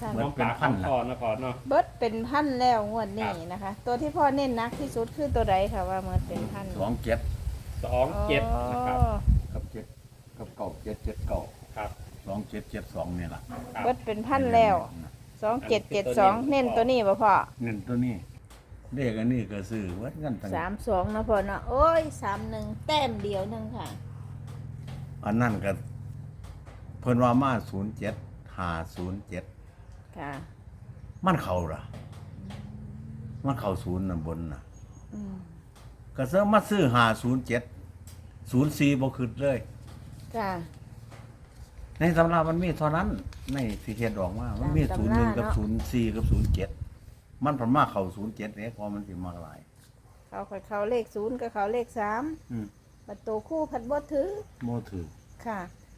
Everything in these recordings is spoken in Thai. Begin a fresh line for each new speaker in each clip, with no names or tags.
ค่ะ
เหมือน
น้อง
เป็น
ปาก
พัน
น้อง
นะ
คอนะพอเนาะ
เบิดเป็นพันแล้วงวดนี้
ครับ
นะคะ ตัวที่พ่อเน้นหนักที่สุดคือตัวใดค่ะว่ามันเป็นพัน
27
27นะครับ
กับ7กับ9 7 7 9
ครับ
2772นี่ล่ะ
ครับ
เบิดเป็นพันแล้ว2772เน้นตัวนี้บ่พ่อ
เน้นตัวนี้เลขอันนี้ก็ซื้อวัดกันตั้ง
32นะพ่อเนาะโอ้ย31แต้มเดียวหนึงค่ะ
อันนั้นก็เพิ่นว่ามา07 507
ค่ะ
มันเข้าล่ะมันเข้าศูนย์น่ะบนน่ะ
อืม
ก็ซื้อมาซื้อ507 04บ่ขึ้นเลย
ค่ะ
ในตำรามันมีเท่านั้นในที่เขียนออกมามันมี
ตามตำรา
01กับ
เนาะ
04กับ07มันผลมาเข้า07เนี่ยพอมันสิมาหลาย
เขาเลข0กับเขาเลข3
อืม
ประตูคู่พัดบ่ถือ
โมถือ
ค่ะ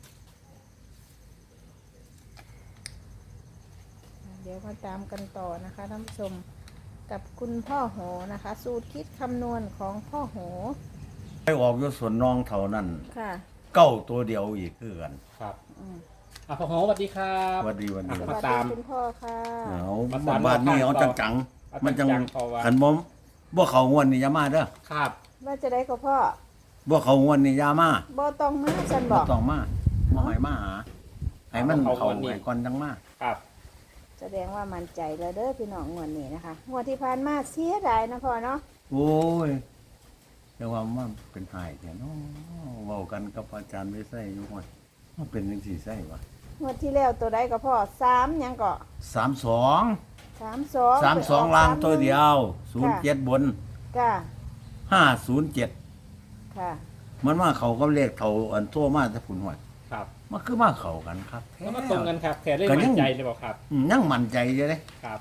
เดี๋ยวมาตามกันต่อนะคะท่านผู้ชมกับคุณพ่อโหนะคะ สูตรคิดคำนวณของพ่อโห
ไปออกอยู่สวนน้องเท่านั้น
ค่ะ
เก้าตัวเดียวอีกคือกัน
ครับ
อืม
พ่อโหสวัสดีครับ
วันดีวันดี
ส
มา
วัส
ตาม
ดีคุณพ่อค่ะ
เอา
มาตาม
บ้านนี้เอา
ต่อ
จัง
เอา
ๆมันจัง
จังๆเพราะว่า
ขันบ่เขางวนนี่อยามาเด้อ
ครับ
ว่าจะได้กับพ่อ
บ่เขางวนนี่อยามา
บ่ต้องมาฉันบ
บ่
อก
ต้องมาบ่ให้มาหาให้มัน
เอา
เขา
งวดนี้
ให้ก่อนจังมา
ครับ
แสดงว่ามั่นใจแล้วเด้อพี่น้องงวดนี้นะคะงวดที่ผ่านมาเสียดายนะพ่อเนาะ
โอ้ยแต่ว่ามันเป็นหายแท้เนาะเว้ากันกับอาจารย์ไม่ใช่อยู่ว่ามันเป็นจังซี่ใช่วะ
งวดที่แล้วตัวใดก็พ่อ3หยังก็
32
32
32ล่างตัวเดียว07บน
ค่ะ
507
ค่ะ
มันว่าเขาก็เลขเขาอันทั่วมาถ้าผุนหวย
ครับ
มันคือมาเขากันครับแท้
แล้วมาตรงกันครับแค่ได้
ก็ยั
มั่
ง
นใจเลยบอกครับ
ยังมั่นใจอยู่เด้
ครับ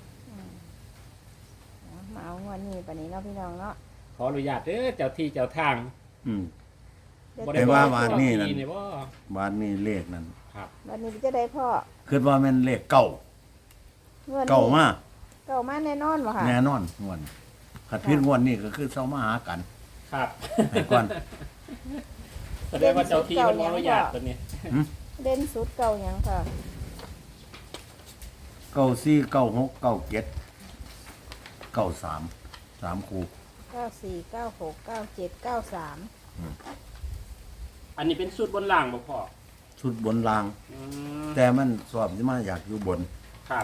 มาเอางวดนี้ปานนี้เนาะพี่น้องเนาะ
ขออนุญาตเด้อเจ้าที่เจ้าทาง
อืม
เดี๋ยว
บ่
แต่
ได้
ว่า
บอก
บาทนี่นั่น
ที่เนี่ยบ่
บ้านนี้เลขนั้น
ครับ
วันนี้จะได้พ่อ
คือว่าแมันเลขเก่า
เงิน
เก่ามา
เก่ามาแน่นอนบ่ค่ะ
แน่นอนงวนขัดพิษงวนนี่ก็คือเซ้ามาหากัน
ครับ
ให้ก่อน
แสดงว่าเจ้าที่มันขออนุญาตตัวนี้
เด่นสุดเก่าหยังค่ะ
94 96 97 93 3คู่
94 96 97 93
อันนี้เป็นสูตรบนล่างบ่พ่อ
ชุดบนราง
อืม
แต่มันสอบที่มาอยากอยู่บน
ครับ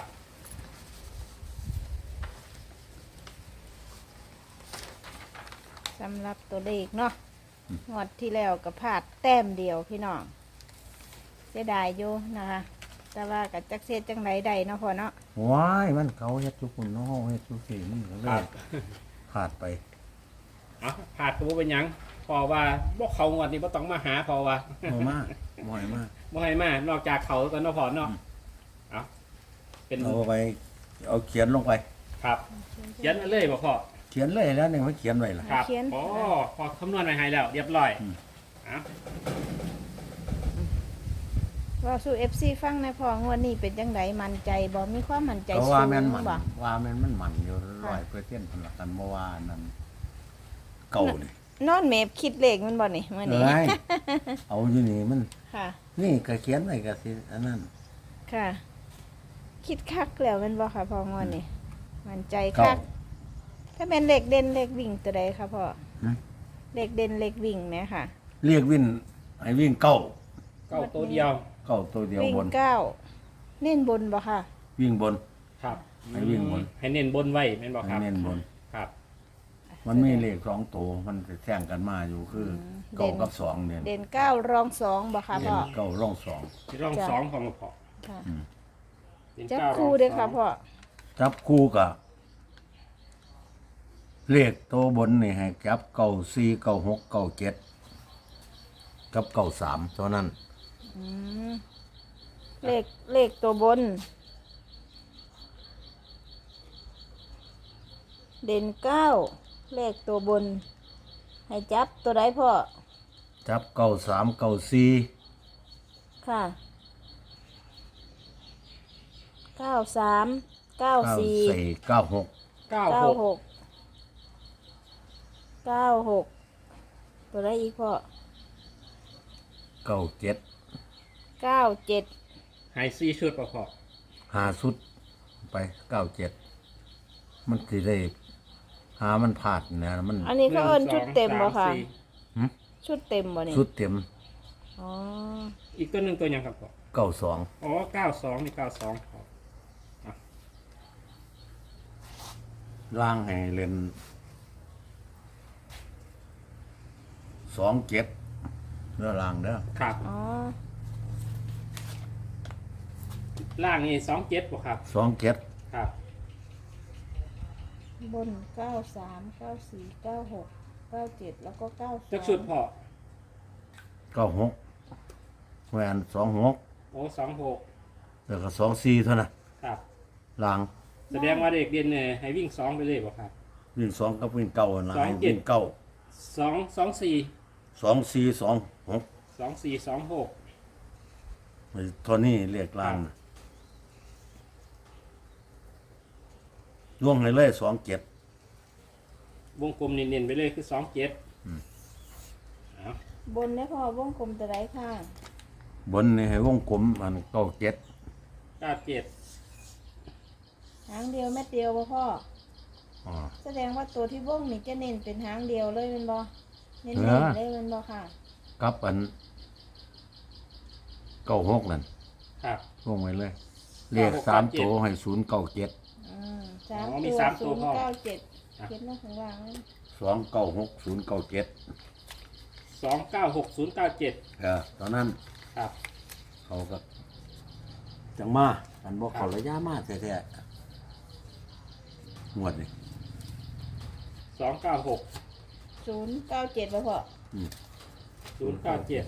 สำหรับตัวเลขเนาะงวดที่แล้วก็พลาดแต้มเดียวพี่น้องเสียดายอยู่นะคะ แต่ว่ากับจักเสียจังไรใดเนาะพ่อเนาะ
ว้ายมันเขาเฮ็ดทุกคนเนาะเฮ็ดทุกสิ่งมันก็เล
ครั
ย
บ
ขาดไป
เอาผ่าดตัวเป็นหยังพอว่าบ่เขางวดนี้บ่ต้องมาหาพอว่า
บ่มากบ่อยมาก
บ่ให้มานอกจากเขาตอนนพอเนาะเอาเป็น
เอาไปเอาเขียนลงไป
ครับเขียนมาเลยบ่พ่อ
เขียนเลยแล้วนี่มันเขียนไว้ล่ะ
ครับ
เขียน
อ๋อพอคำนวณไว้ให้แล้วเรียบร้อย
อืม
เอา
ว่าสู่ FC ฟังในอยพองวดนี้เป็นจังไดมั่นใจบ่มีความมั่นใจ
เพราะ
สู
ว่าง แม่นมัน
บ่
ว่าแม่นมันมันอยู่100%พุ่นล่ะกันบ่ว่านั่นเก่านี่
นอนเมฟคิดเลขมันบ่นี่มื้อนี้
เอ้ยเอาอยู่นี่มัน
ค่ะ
นี่ก็เขียนไว้ก็สิอันนั้น
ค่ะ คิดคักแล้วแมันบ่ค่ะพ่องวดนี้มั่นใจ
เก่า
คัก ถ้าเป็นเลขเด่นเลขวิ่งตัวใดคะพ่อ
หืม
เลขเด่นเลขวิ่งไหมค่ะ
เรียกวิ่งให้วิ่งเก้า
เก้าตัวเดียว
เก้าตัวเดียว
วิ่ง
บน
เก้าเน้นบนบ่ค่ะ
วิ่งบน
ครับ
ให้วิ่งบน
ให้เน้นบนไว้แม่นบ่ค
ให้
รับ
เน้นบน
ครับ
มันมีเลข2ตัวมันจะแท่งกันมาอยู่คือเก้ากับ2เนี่ย
เด่นเก้ารองสองบ่ค่ะ
เด่
พ่
น
อ
เก้าร่อง2
ที่ร่อง
จ้ะ
สองของพ่อ
ค่ะ
เน้น
จับ
เก้า
คู่
ร่อง
เด้อ
ส
ค่ะ
อง
พ่อ
จับคู่กับเลขตัวบนนี่ให้จับเก้า4 9 6 9 7กับเก้า3เท่านั้น
อืมเลขตัวบน เด่นเก้าเลขตัวบน ให้จับตัวใดพ่อ
จับเก้า3 9 4
ค่ะ93
9
94
4 9 6
เก้า
เก้า
หก
หกตัวได้อีกพ่อ
9 7
97
ให้4ชุดบ่พ่อ
ใหาสุดไป97มันสิได้หามันพลาดนะมัน
อันนี้เขาเอิ้นชุดเต็มบ่ค่ะ
หึ
ชุดเต็มบ่นี่
สุดเต็ม
อ๋อ
อีกตัวหนึ่งตัวยังครับพ่อ
92
อ๋อ92นี่92ครับ
ล่างให้เล่น27เด้อล่างเด้อ
ครับ
อ๋อ
ล่างนี่27บ่ครับ
27
ครับ
บน93 94 96 97แล้วก็92
จักชุดพ่อ
96แหวน26
โอ้26
แล้วก็24เท่านั้น
ครับ
ล่าง
แสดงว่าเด็กเรียนเนี่ยให้วิ่ง2ไปเลยบ่ครับ
วิ่ง2กับวิ่ง9นั่นล่ะให้
27
วิ่ง9
2 24
24 26
24 26
เท่านี้เรียกล่างน่ะล่วงให้เลย27
วงกลมเน้นๆไปเลยคือ27เอา
บนเนี่ยพอวงกลมตัวใดข้าง
บนนี่ให้วงกลมอัน97
97
หางเดียวแม่เดียวบ่พ่อ
อ๋อ
แสดงว่าตัวที่วงนี่จะเน้นเป็นหางเดียวเลยแมันบ่เน้น
เออ
ๆเลยแมันบ่ค่ะ
กับอัน96นั่น
ครับ
วงไว้เลยเรียก3ตัวให้097
สาม
อ๋อมี
ตัว
สามตัวพ่อ
097เขียนมาข้างล่างเลย
296 097
296097
ตอนนั้น
ครับ
เขาก็จังมาอันบอกเขาระยะมาแท้ๆงวดนี่
296
097บ่พ่อ
097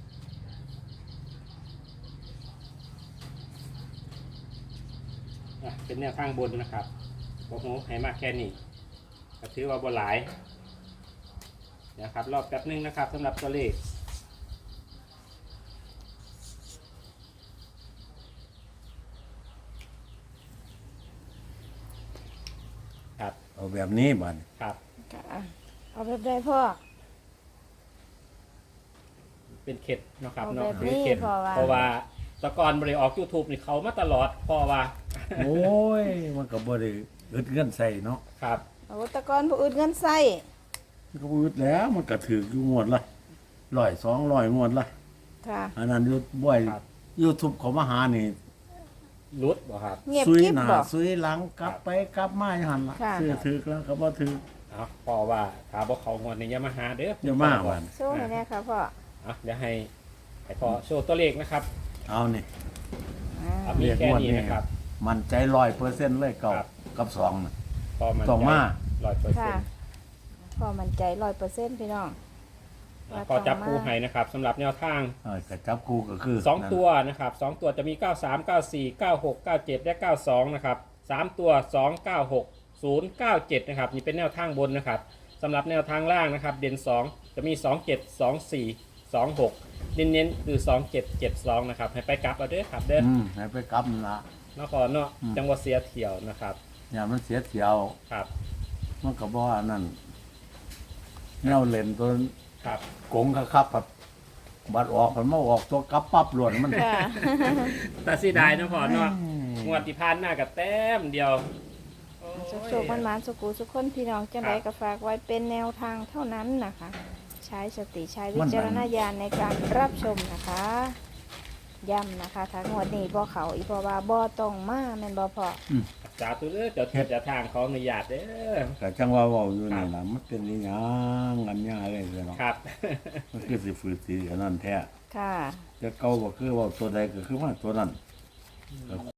เป็นแนวทางบนนะครับโอ้โหให้มากแค่นี้ก็ถือว่าบนหลายนะครับรอบแป๊บนึงนะครับสำหรับตัวเลขครับ
เอาแบบนี้บัด
ครับ
ค่ะเอาแบบใดพ่อ
เป็นเข็ดเนาะครับ
เอา
เนาะ
แบบ
ถือ
นี้
เข็ด
เพราะว่า
เพราะว่าแตะกอนบริออก YouTube นี่เขามาตลอดเพราะว่า
โอ้ย มันก็บ่ได้อึดเงินใส่เนาะ
ครับ
เอาแตะกอนผู้อื่นเงินใส่
มันก็บ่อึดแล้วมันก็ถืออยู่งวดละ100 200งวดละ
ค่ะ
อันนั้นอยู่บ่อย
ครับ
YouTube เขามาหานี่
รุดบ่ครับ
เงียบ
ซุย
กิ๊บ
หน้า
บ่
ซุยหลังกลับไปกลับมาอยู่หั่นล่ะ
ค่ะ
ซื้อถือแล้วก็บ่ถือ
เอาเพราะว่าถ้าบ่เขางวดนี่อย่ามาหาเด้อ
อย่ามาว่า
โซ่ให้แน่ค่ะพ่อ
เอาเดี๋ยวให้พอโชว์ตัวเลขนะครับ
เอานี่
อ่า
เอามีแค่นี้นะครับ
มันใจ100%เลยเก่า
ครับ
กับ2น่ะ
พอมัน
ต้องมา
100%
ค่ะพ่อมั่นใจ100%พี่น้อง
พอจับคู่ให้นะครับสำหรับแนวทาง
ก็จับคู่ก็คือ
2 ตัวนะครับ2ตัวจะมี 93 94 96 97 และ 92 นะครับ3ตัว 2 96 0 97 นะครับนี่เป็นแนวทางบนนะครับสำหรับแนวทางล่างนะครับเด่น2จะมี 27 24 26 เน้นๆคือ 27 72 นะครับให้ไปกลับเอาเด้อครับเด้อ
ให้ไปกลับนั่นละ
นครเนาะจังหวัดเสียเที่ยวนะครับ
อย่ามันเสียเที่ยว
ครับ
มันก็บ่ว่านั่นแนวเล่นตัว
ครับ
กงครับแบบบัดออกมันมาออกตัวกลับปั๊บหลวนมัน
ค่ะ
แต่เสียดายนะพอเนาะงวดที่ผ่านหน้ากับแต้มเดียวโอ้ย
สุขๆมันๆสุขุสุขคนพี่น้องจังไดก็ฝากไว้เป็นแนวทางเท่านั้นนะคะ ใช้สติใช้วิจารณญาณในการรับชมนะคะ ย้ำนะคะทางงวดนี้บ่เขาอีพอว่าบ่ต้องมาแม่นบ่พอ
สาธุเด้อเจ้าที่เจ้าทางเขาอนุญาตเด้อ
ก็จังว่าเว้าอยู่นี่ล่ะมันเป็นอีหยังอันยาเลยเนาะ
ครับ
มันคือสิฝืนสิอันนั้นแท้
ค่ะ
แต่เก่าก็คือเว่าตัวใดก็คือว่าตัวนั้น